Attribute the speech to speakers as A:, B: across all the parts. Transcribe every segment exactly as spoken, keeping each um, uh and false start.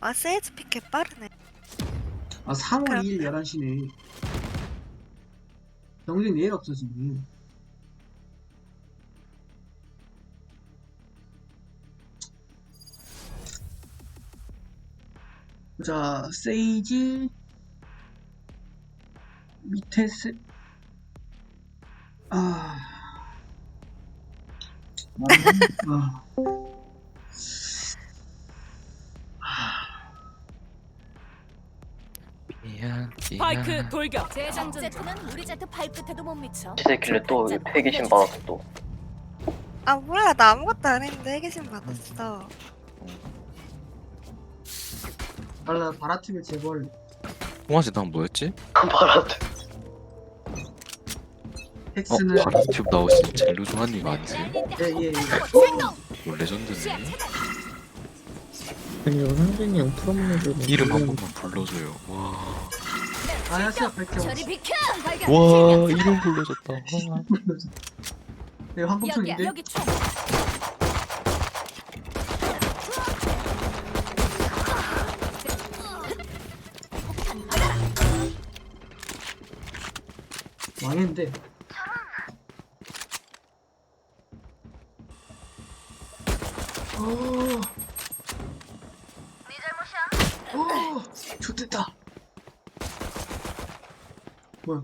A: 아 세이지 픽 개빠르네.
B: 아 삼월
A: 그럼-
B: 이일 열한 시네. 경쟁 내일 없어지네. 자, 세이지 밑에 세... 아... 아...
C: 미안
D: 파이크
C: 미안
D: 돌격.
E: 재장전 제트는 우리 제트 발끝에도 못 미쳐.
F: 시새끼를 또 폐기심 받았어 또.
A: 아 뭐야 나 아무것도 안 했는데 해계심 받았어.
B: 달라 바라튜브 재벌.
C: 홍아지 난 뭐였지?
F: 바라트.
C: 어?
B: 텍스는
C: 바라튜브 나오신 젤로 조한님 아니세요?
B: 예예 예.
C: 이거 레전드네.
G: 아니 상준이 형 프로모를
C: 이름 한 번만 불러줘요. 와,
B: 아야시아 밝혀.
E: 저리 비켜.
C: 와 이름 불러줬다. 와.
B: 네
E: 여기야
B: 황금총인데.
E: 여기 총.
B: 망했는데. 어. 네 잘못이야. 어, 좋됐다. 뭐야?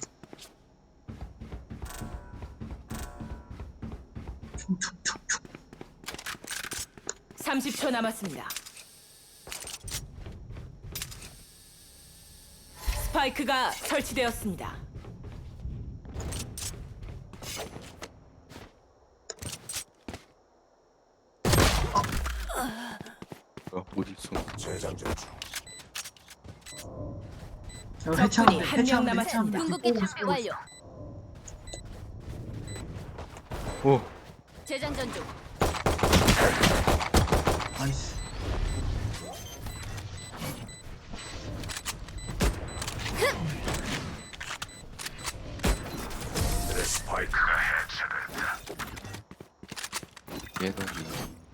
B: 총총총총.
D: 삼십 초 남았습니다. 스파이크가 설치되었습니다.
C: 뭐야 어디 있어?
B: 자, 해창
D: 적군이 한명
B: 해창
D: 남았습니다.
E: 궁극기 준비 완료.
C: 오,
E: 재장전 중.
B: 나이스.
C: 얘들이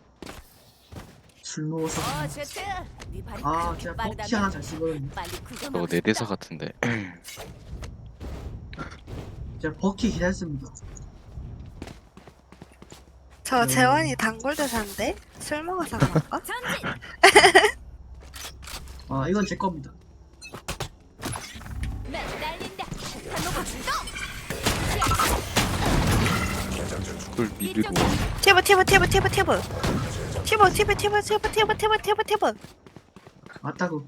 B: 술 먹어서.
E: 어 제트. 네 발이
B: 아,
E: 그렇게
B: 제가
E: 빠르다면
B: 버키 하나 잘 쓰거든요.
E: 빨리 구경.
C: 저거 내 대사 같은데.
B: 제가 버키 기다렸습니다.
A: 저
B: 음.
A: 재원이 단골 대사인데 술 먹어서 그런가?
E: 전진.
B: 아, 이건 제 겁니다.
E: 나 날린다. 한노가 출동.
C: 그걸 믿고
A: 티브 티브 티브 티브 티브 티브 티브 티브 티브 티브 티브 티브 티브.
B: 맞다고.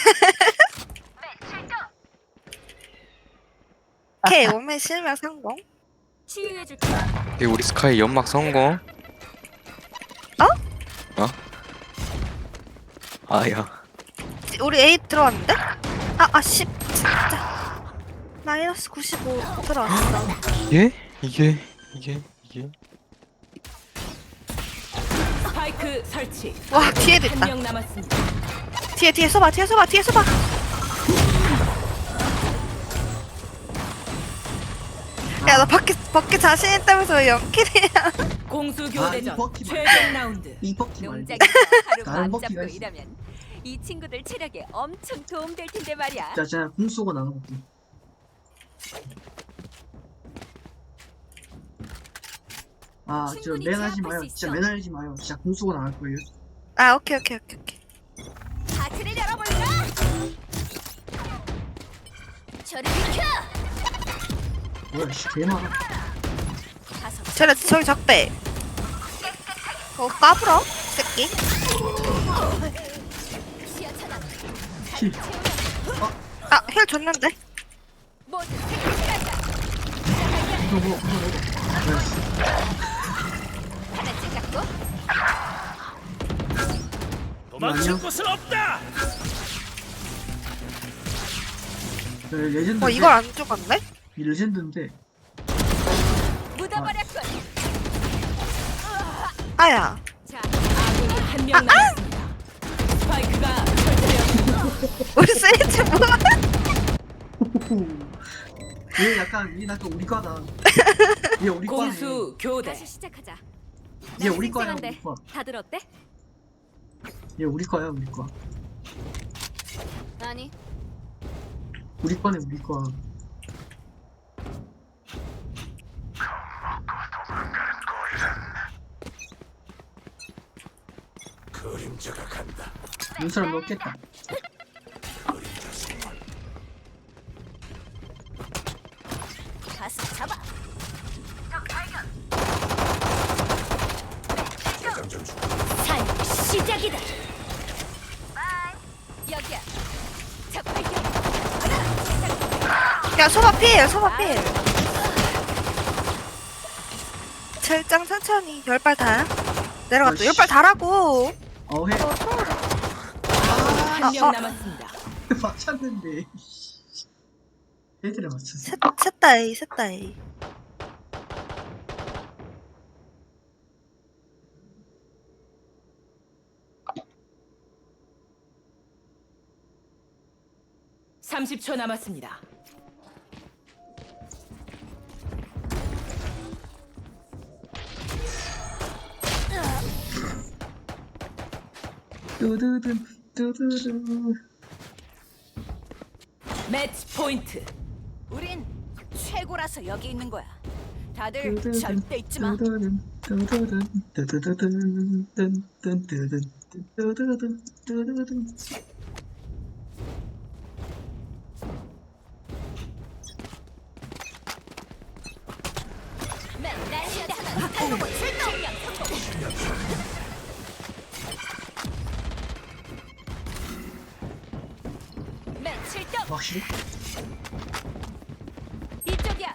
A: K 오면 실명 성공.
E: 치유해줄게.
C: 이게 우리 스카이 연막 성공.
A: 어?
C: 어? 아야.
A: 우리 A 들어왔는데? 아, 아, 십, 진짜. 마이너스 구십오 들어왔어.
C: 이게 이게 이게 이게
D: 스파이크 설치.
A: 와, 뒤에도 있다.
D: 한 명 남았습니다.
A: 뒤에, 뒤에 쏘봐, 뒤에 쏘봐, 뒤에 쏘봐. 야, 너 밖에, 밖에 자신 있다면서 왜 연킬이야?
D: 공수
B: 아, 이
D: 교대전
B: 버키
D: 최종 라운드.
B: 이 버키 말고.
E: 농장에서 하루
B: 다른
E: 맘
B: 버키가
E: 잡고
B: 있어.
E: 일하면 이 친구들 체력에 엄청 도움될 텐데 말이야.
B: 자, 제가 궁 쏘고 나눠볼게. 아, 저
E: 충분히
B: 맨하지
E: 제압할
B: 마요.
E: 수
B: 진짜
E: 있어.
B: 맨하지 마요. 진짜 궁 쏘고 나갈 거예요.
A: 아, 오케이, 오케이, 오케이, 오케이.
E: 하트를 열어볼까? 저리 비켜.
B: 뭐야, 씨, 개 많아.
E: 가서
A: 쟤네, 저기 적배. 어, 까불어? 새끼.
E: 시야 차단.
B: 힐.
A: 아, 힐 줬는데?
E: 모두 생각한다.
B: 이거 뭐, 이거 뭐. 나이스.
E: 하나씩 잡고
B: 도망칠
D: 곳은 없다.
B: 네, 레전드.
A: 어, 이걸 안 죽었네?
B: 이 레전드인데.
E: 묻어버렸군.
A: 아야.
E: 자,
D: 아군이 한 명 남았습니다. 스파이크가 설치되었습니다.
A: 우리 세이지 뭐야?
B: 얘 약간, 얘 약간 우리 과다. 얘 우리 과네.
D: 공수 교대.
E: 다시 시작하자.
B: 얘 우리
E: 난
B: 과야,
E: 쌩쌩한데
B: 우리 과.
E: 다들 어때?
B: 얘 우리 과야, 우리 과.
E: 아니,
B: 우리 거네 우리 거.
H: 그림자가 간다.
B: 눈사람 넣겠다.
E: 가서 잡아.
H: 대장전 중.
E: 산 시작이다. 여기야. 적 발견.
A: 야 소바 필 소바 필 절장 천천히 열 발 다야 내려갔다 열 발 다라고
B: 어 해.
D: 한 명
A: 어.
D: 남았습니다.
B: 맞췄는데. 애들에 맞췄어.
A: 셋, 셋다 A 셋다 A
D: 삼십 초 남았습니다.
B: 뚜두둔 뚜두두.
D: 매치 포인트.
E: 우린 최고라서 여기 있는 거야. 다들
B: 뚜두둔,
E: 절대 잊지 마.
B: 뚜두둔, 뚜두둔, 뚜두두둔, 뚠뚠뚠뚠, 뚜두둔, 뚜두둔.
E: 맨날 시야차단 탈로봇 출동. 맨 출동.
B: 확실히?
E: 이쪽이야.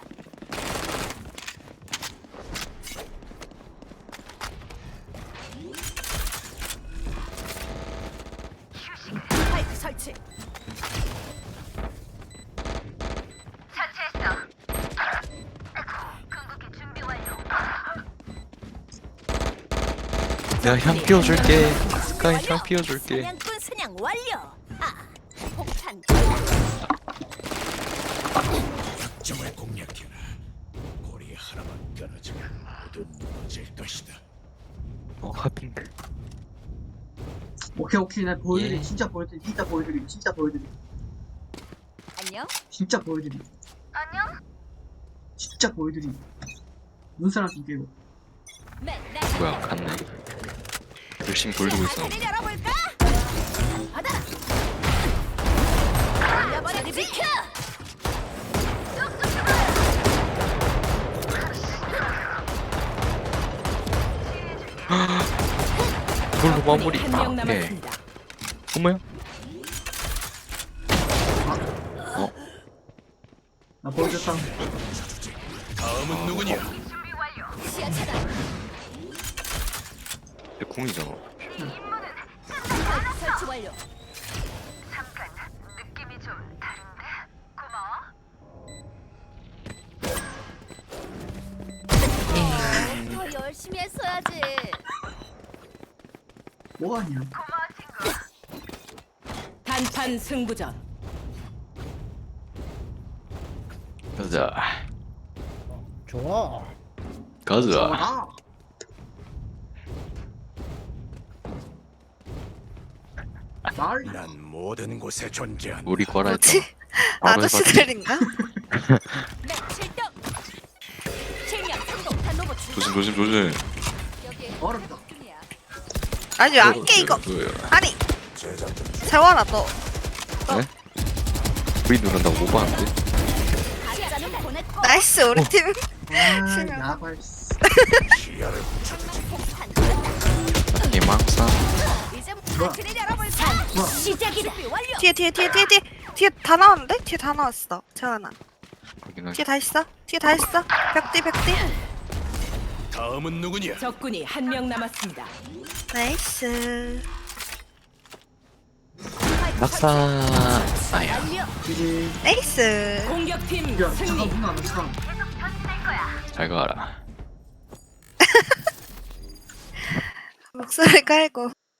E: 파이프 설치.
C: 내가 향 피워줄게. 스카이 향 피워줄게.
E: 사냥꾼 사냥 완료. 아, 폭탄.
H: 점을 공략해라. 고리 하나만 끊어지면 모두 무너질 것이다.
C: 어 하빈.
B: 오케이 오케이 나 보여드리.
C: 예.
B: 진짜 보여드리. 진짜 보여드리. 진짜 보여드리.
E: 안녕.
B: 진짜 보여드리.
E: 안녕.
B: 진짜 보여드리. 눈사람 좀 깨고.
E: 맨날
C: 뭐야 갔네. 열심히 돌리고 있어.
E: 문을 열어볼까? 받아라. 올려버려 비켜.
C: 돌로 마무리.
D: 한 명
C: 아, 예.
D: 남았습니다.
C: 어머야?
B: 나 보여줬다.
H: 다음은 누구냐?
E: 시야 차단.
C: 내 궁이잖아.
E: 파이프 설치 완료. 더 열심히 했어야지.
B: 뭐하냐?
D: 단판 승부전.
C: 가자.
G: 좋아.
C: 가자.
B: 아! 날?
H: 난 모든 곳에 존재한다.
C: 우리 거라 했잖아.
A: 뭐지?
C: 바로 해봤지.
A: 아저씨들인가?
E: 맨 출동. 실명 성공. 단로봇 출동.
C: 조심 조심 조심.
E: 여기
B: 어렵다.
E: 중이야.
A: 아니 왜 안 깨 이거
C: 뭐야?
A: 아니
H: 재장전 중.
A: 재원아 너
C: V 누른다고 오버하는데?
E: 가짜는 보냈고.
A: 나이스 우리 팀
B: 아,
A: 실명.
B: 야발.
H: 시야를 훔쳐주지.
E: 폭탄.
C: 개망상.
E: 이제
B: 뭐야?
E: 문을 열어볼까?
B: 뭐야?
E: 시작이다. 준비 완료.
A: 뒤에 뒤에 뒤에 뒤에 뒤에 뒤에 다 나왔는데? 뒤에 다 나왔어 재원아
C: 확인하게.
A: 뒤에 다 있어 뒤에 다 있어 벽뒤 벽뒤
H: 다음은 누구냐?
D: 적군이 한 명 남았습니다.
A: 나이스
C: 낙사. 아야.
E: 완료.
B: 이제
A: 나이스
D: 공격팀
B: 야 잠깐
D: 승리.
B: 누나 나 잠깐.
C: 잘 가라.
A: 목소리 깔고